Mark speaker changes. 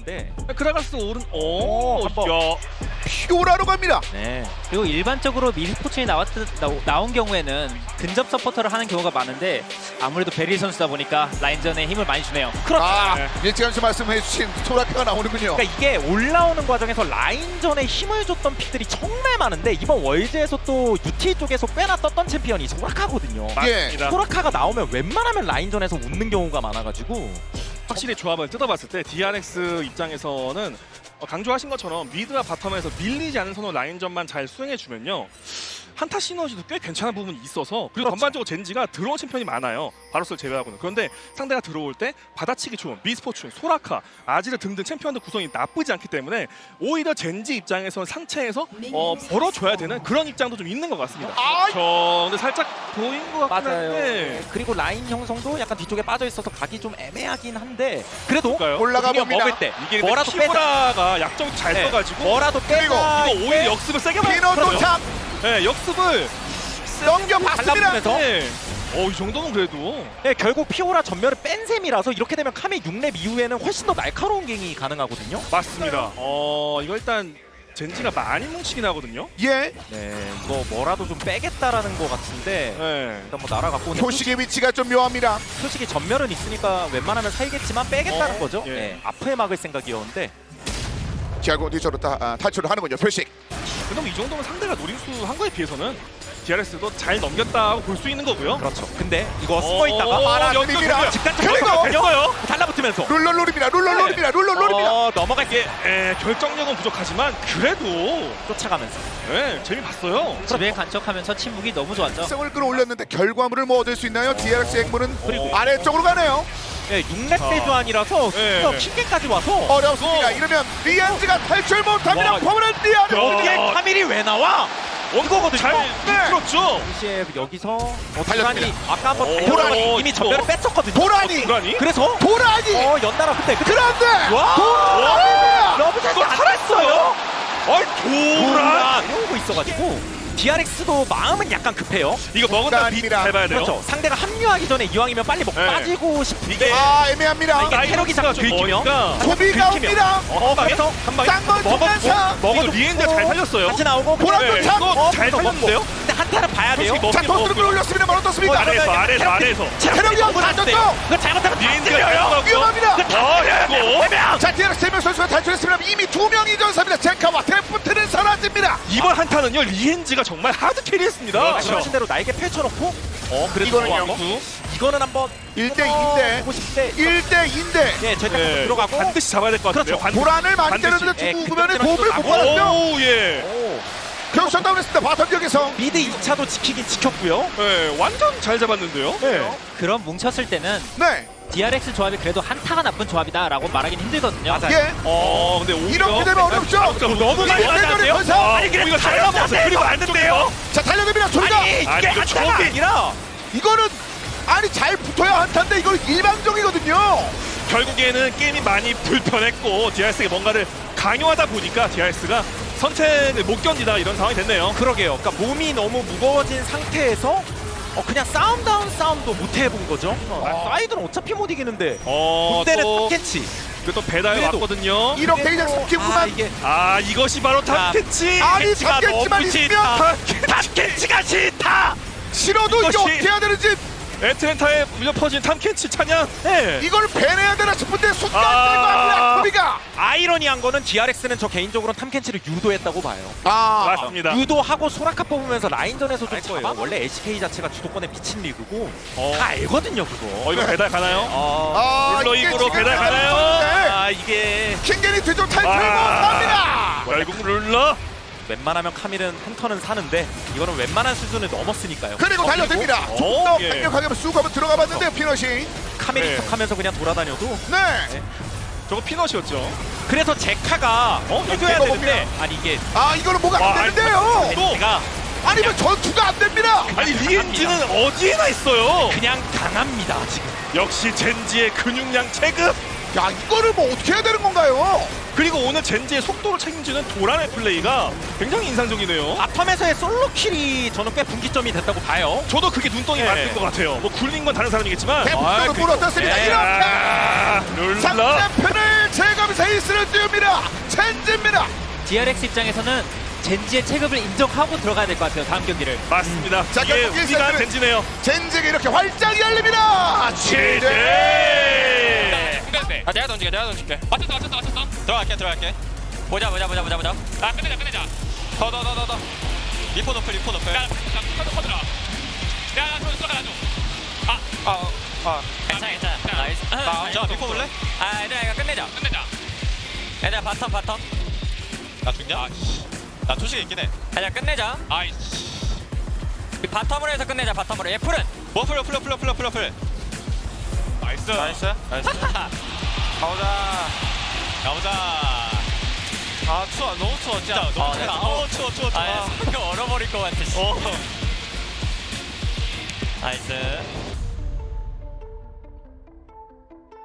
Speaker 1: 있는데
Speaker 2: 그라가스 오른
Speaker 1: 한번.
Speaker 2: 야.
Speaker 3: 피오라로 갑니다.
Speaker 1: 네.
Speaker 4: 그리고 일반적으로 미스포츠에 나온 경우에는 근접 서포터를 하는 경우가 많은데 아무래도 베릴 선수다 보니까 라인전에 힘을 많이 주네요.
Speaker 1: 그렇죠.
Speaker 2: 네.
Speaker 3: 일찌감치 말씀해주신 소라카가 나오는군요.
Speaker 1: 그러니까 이게 올라오는 과정에서 라인전에 힘을 줬던 픽들이 정말 많은데 이번 월드에서 또 UT 쪽에서 꽤나 떴던 챔피언이 소라카거든요.
Speaker 2: 맞습니다.
Speaker 1: 소라카가 나오면 웬만하면 라인전에서 웃는 경우가 많아가지고
Speaker 2: 확실히 조합을 뜯어봤을 때 DRX 입장에서는 강조하신 것처럼 미드와 바텀에서 밀리지 않은 선호 라인전만 잘 수행해주면요 한타 시너지도 꽤 괜찮은 부분이 있어서 그리고 전반적으로 젠지가 들어온 챔피언이 많아요. 바로스를 제외하고는. 그런데 상대가 들어올 때 받아치기 좋은 미스포춘, 소라카, 아지르 등등 챔피언들 구성이 나쁘지 않기 때문에 오히려 젠지 입장에서는 상체에서 벌어줘야 되는 그런 입장도 좀 있는 것 같습니다. 근데 살짝 보인 것 같긴
Speaker 1: 맞아요.
Speaker 2: 한데
Speaker 1: 그리고 라인 형성도 약간 뒤쪽에 빠져 있어서 가기 좀 애매하긴 한데 그래도
Speaker 2: 볼까요?
Speaker 3: 올라가
Speaker 1: 우리가
Speaker 3: 봅니다.
Speaker 1: 먹을 때
Speaker 2: 이게
Speaker 1: 뭐라도 빼자.
Speaker 2: 피오라가 약점 잘
Speaker 1: 네.
Speaker 2: 써가지고
Speaker 1: 뭐라도 빼자.
Speaker 2: 이거 오히려 역습을 세게
Speaker 3: 피너
Speaker 2: 맞았어요.
Speaker 3: 도착
Speaker 2: 네, 역습을
Speaker 3: 넘겨봤습니다.
Speaker 1: 달라붙으면서
Speaker 2: 네. 이 정도는 그래도
Speaker 1: 네, 결국 피오라 전멸을 뺀 셈이라서 이렇게 되면 카메 6렙 이후에는 훨씬 더 날카로운 갱이 가능하거든요.
Speaker 2: 맞습니다. 이거 일단 젠지가 많이 뭉치긴 하거든요.
Speaker 3: 예,
Speaker 1: 네, 이거 뭐라도 좀 빼겠다라는 것 같은데
Speaker 2: 네.
Speaker 1: 일단 뭐 날아갔고 근데
Speaker 3: 표식의 위치가 좀 묘합니다.
Speaker 1: 솔직히 전멸은 있으니까 웬만하면 살겠지만 빼겠다는 거죠.
Speaker 2: 예.
Speaker 1: 네, 앞에 막을 생각이었는데
Speaker 3: 결국 뒤쪽으로 탈출을 하는군요. 표식.
Speaker 2: 그럼 이 정도면 상대가 노림수 한 거에 비해서는 DRS도 잘 넘겼다고 볼 수 있는 거고요.
Speaker 1: 그렇죠. 근데 이거 숨어 있다가
Speaker 3: 말아줍니다.
Speaker 1: 직관적으로
Speaker 2: 됐어요.
Speaker 1: 달라붙으면서
Speaker 3: 룰러룰입니다. 룰러룰입니다. 룰러룰입니다.
Speaker 1: 넘어갈게
Speaker 2: 결정력은 부족하지만 그래도
Speaker 1: 쫓아가면서
Speaker 2: 재미봤어요.
Speaker 4: 집에 간척하면서 침묵이 너무 좋았죠.
Speaker 3: 성을 끌어올렸는데 결과물을 뭐 얻을 수 있나요? DRX 액물은
Speaker 2: 그리고
Speaker 3: 아래쪽으로 가네요.
Speaker 1: 네, 6렙 대조안이라서
Speaker 2: 네.
Speaker 1: 킹게까지 와서
Speaker 3: 어렵습니다. 이러면 리안즈가 탈출 못합니다.
Speaker 2: 와.
Speaker 3: 퍼머넌트 리안즈.
Speaker 1: 여기에 카밀이 왜 나와? 이거거든요.
Speaker 2: 잘 그렇죠.
Speaker 1: 동시에 여기서
Speaker 3: 달렸습니다.
Speaker 1: 도란이 아까 한번
Speaker 2: 오,
Speaker 1: 달려서 이미
Speaker 2: 이거.
Speaker 1: 전멸을 뺐었거든요.
Speaker 3: 도란이.
Speaker 2: 도란이?
Speaker 1: 그래서
Speaker 3: 도란이.
Speaker 1: 연달아 그때
Speaker 3: 그런데
Speaker 1: 와!
Speaker 3: 도란이.
Speaker 1: 러브샷이
Speaker 2: 이거
Speaker 1: 안
Speaker 2: 살았어요?
Speaker 1: 됐어요.
Speaker 2: 도란.
Speaker 1: 이러고 있어가지고 DRX도 마음은 약간 급해요.
Speaker 2: 이거 먹은 다음 비
Speaker 3: 도란입니다.
Speaker 2: 잘 봐야 돼요.
Speaker 1: 그렇죠. 상대가 합류하기 전에 이왕이면 빨리 먹고
Speaker 2: 네.
Speaker 1: 빠지고 싶은데
Speaker 2: 이게
Speaker 3: 애매합니다.
Speaker 1: 이게 체력이 잠깐
Speaker 2: 좀
Speaker 1: 긁히면
Speaker 2: 머니까
Speaker 3: 소비가
Speaker 1: 긁히면.
Speaker 3: 옵니다.
Speaker 1: 그래서
Speaker 2: 한 방에
Speaker 3: 쌍걸 통과사.
Speaker 2: 이거 리엔드가 잘 살렸어요.
Speaker 1: 같이 나오고
Speaker 3: 보람도 참.
Speaker 2: 이거 잘
Speaker 1: 그래서
Speaker 2: 살렸는데요?
Speaker 1: 먹고. 근데 한타는 봐야 돼요.
Speaker 2: 솔직히
Speaker 3: 자, 토스를 끌어올렸습니다. 뭘 어떻습니까?
Speaker 2: 아래에서
Speaker 3: 체력이 없어졌죠?
Speaker 1: 그거 잘못하면
Speaker 2: 리엔드가
Speaker 1: 찔려요.
Speaker 3: 위험합니다.
Speaker 2: 이거
Speaker 3: 자, DRX 3명 선수가 탈출했습니다. 이미 2명이 전사입니다. 젠카와 데프트는 사라집니다.
Speaker 2: 이번 한타는요 리엔즈가 정말 하드 캐리했습니다.
Speaker 1: 말씀하신 대로 날개 펼쳐놓고 그래도
Speaker 3: 이거는요.
Speaker 1: 좋아한 거. 이거는 한번
Speaker 3: 1대2인데
Speaker 1: 보고 싶대.
Speaker 3: 1대2인데
Speaker 1: 예, 절대
Speaker 2: 네.
Speaker 1: 들어가고
Speaker 2: 반드시 잡아야 될 것 같은데요.
Speaker 1: 그렇죠.
Speaker 3: 도란을 많이
Speaker 2: 반드시.
Speaker 3: 때렸는데
Speaker 1: 예,
Speaker 3: 죽으면
Speaker 1: 그
Speaker 3: 도움을 못
Speaker 1: 나고.
Speaker 3: 받았죠.
Speaker 2: 오 예.
Speaker 1: 오,
Speaker 3: 결국 셧다운했습니다. 바텀 지역에서.
Speaker 1: 미드 2차도 지키긴 지켰고요.
Speaker 2: 네, 완전 잘 잡았는데요.
Speaker 1: 네.
Speaker 4: 그런 뭉쳤을 때는
Speaker 3: 네.
Speaker 4: DRX 조합이 그래도 한타가 나쁜 조합이다라고 말하긴 힘들거든요.
Speaker 1: 맞아요.
Speaker 3: 예.
Speaker 2: 근데 오히려
Speaker 3: 이렇게 되면 어렵죠.
Speaker 2: 너무
Speaker 3: 이게
Speaker 2: 많이
Speaker 3: 세전의
Speaker 2: 나왔는데요?
Speaker 3: 전사.
Speaker 2: 아니 그래 잘 잡았어요. 그리고 안 된대요.
Speaker 3: 자, 달려듭니다. 둘다.
Speaker 1: 아니 이게
Speaker 2: 아니, 이거
Speaker 1: 한타가
Speaker 2: 저기-
Speaker 1: 아니라
Speaker 3: 이거는 아니 잘 붙어야 한타인데 이걸 일방적이거든요.
Speaker 2: 결국에는 게임이 많이 불편했고 DRS가 뭔가를 강요하다 보니까 DRS가 선택을 못 견디다 이런 상황이 됐네요.
Speaker 1: 그러게요. 그러니까 몸이 너무 무거워진 상태에서 그냥 싸움도 못 해본 거죠. 사이드는 어차피 못 이기는데 군대는
Speaker 2: 또,
Speaker 1: 탑캐치.
Speaker 2: 또 배달
Speaker 1: 그래도.
Speaker 2: 왔거든요.
Speaker 3: 1억 대장
Speaker 1: 아,
Speaker 3: 3킬구만.
Speaker 1: 이게
Speaker 2: 이것이 바로 탑캐치.
Speaker 3: 아니
Speaker 1: 캐치가
Speaker 3: 잡겠지만
Speaker 1: 너무
Speaker 3: 있으면
Speaker 1: 탑캐치가 싫다.
Speaker 3: 싫어도 이게
Speaker 2: 이것이-
Speaker 3: 어떻게 해야 되는지
Speaker 2: 애틀랜타에 물려 퍼진 탐캐치 찬양.
Speaker 1: 네.
Speaker 3: 이걸 배내야 되나 싶은데 순간
Speaker 2: 아.
Speaker 3: 떼고 합니다. 소비가.
Speaker 1: 아이러니한 거는 DRX는 저 개인적으로 탐켄치를 유도했다고 봐요.
Speaker 2: 맞습니다.
Speaker 1: 유도하고 소라카 뽑으면서 라인전에서 좀
Speaker 2: 알 거예요.
Speaker 1: 잡아. 원래 LCK 자체가 주도권에 미친 리그고
Speaker 2: 어.
Speaker 1: 다 알거든요 그거.
Speaker 2: 이거 배달 가나요?
Speaker 1: 아,
Speaker 3: 이게
Speaker 2: 룰러 입으로
Speaker 3: 지금
Speaker 2: 배달 가나요?
Speaker 3: 잘하는데
Speaker 1: 이게
Speaker 3: 킹겐이 뒤쪽 탈출 못합니다.
Speaker 2: 결국 룰러.
Speaker 1: 웬만하면 카밀은 한 턴은 사는데 이거는 웬만한 수준을 넘었으니까요.
Speaker 3: 그리고 달려듭니다.
Speaker 2: 어,
Speaker 3: 좀더
Speaker 2: 예.
Speaker 3: 강력하게 쑥 한번 들어가 봤는데 피넛이.
Speaker 1: 카밀이
Speaker 2: 네.
Speaker 1: 척하면서 그냥 돌아다녀도
Speaker 3: 네.
Speaker 2: 저거 피넛이었죠.
Speaker 1: 그래서 제카가 해줘야
Speaker 3: 이거
Speaker 1: 되는데 아니 이게
Speaker 3: 아 이거는 뭐가
Speaker 2: 와,
Speaker 3: 안 되는데요.
Speaker 2: 또.
Speaker 1: 제가
Speaker 3: 아니면 전투가 안 됩니다.
Speaker 2: 아니 리엔즈는 어디에나 있어요.
Speaker 1: 그냥 강합니다 지금.
Speaker 2: 역시 젠지의 근육량 체급.
Speaker 3: 야 이거를 뭐 어떻게 해야 되는 건가요?
Speaker 2: 그리고 오늘 젠지의 속도를 책임지는 도란의 플레이가 굉장히 인상적이네요.
Speaker 1: 바텀에서의 솔로킬이 저는 꽤 분기점이 됐다고 봐요.
Speaker 2: 저도 그게 눈덩이
Speaker 1: 네.
Speaker 2: 맞는 것 같아요. 뭐 굴린 건 다른 사람이겠지만.
Speaker 3: 대폭적으로 볼 어떻습니다.
Speaker 1: 네.
Speaker 3: 이렇게
Speaker 2: 룰러.
Speaker 3: 상대편을 제거하면서 에이스를 띄웁니다. 젠지입니다.
Speaker 4: DRX 입장에서는 젠지의 체급을 인정하고 들어가야 될 것 같아요. 다음 경기를.
Speaker 2: 맞습니다.
Speaker 3: 자,
Speaker 2: 이게
Speaker 3: 결국
Speaker 2: 우리가
Speaker 3: 일세트는-
Speaker 2: 젠지네요.
Speaker 3: 젠지가 이렇게 활짝 열립니다. 취재.
Speaker 5: 아 내가 던질게. 맞췄어. 들어갈게. 보자. 아 끝내자. 더. 리포 노플. 야, 커드라. 야, 좀 쏘아줘. 괜찮아. 나이스. 자, 리포 볼래? 얘들아 이거 끝내자. 얘들아 바텀. 나 죽냐? 나 초식 있긴 해. 얘들아 끝내자. 바텀으로 해서 끝내자. 바텀으로. 얘 풀은. 뭐 풀. 나이스. 가보자. 아 추워, 너무 추워 진짜. 너무 추워. 추워. 얼어버릴 것 같아. 나이스.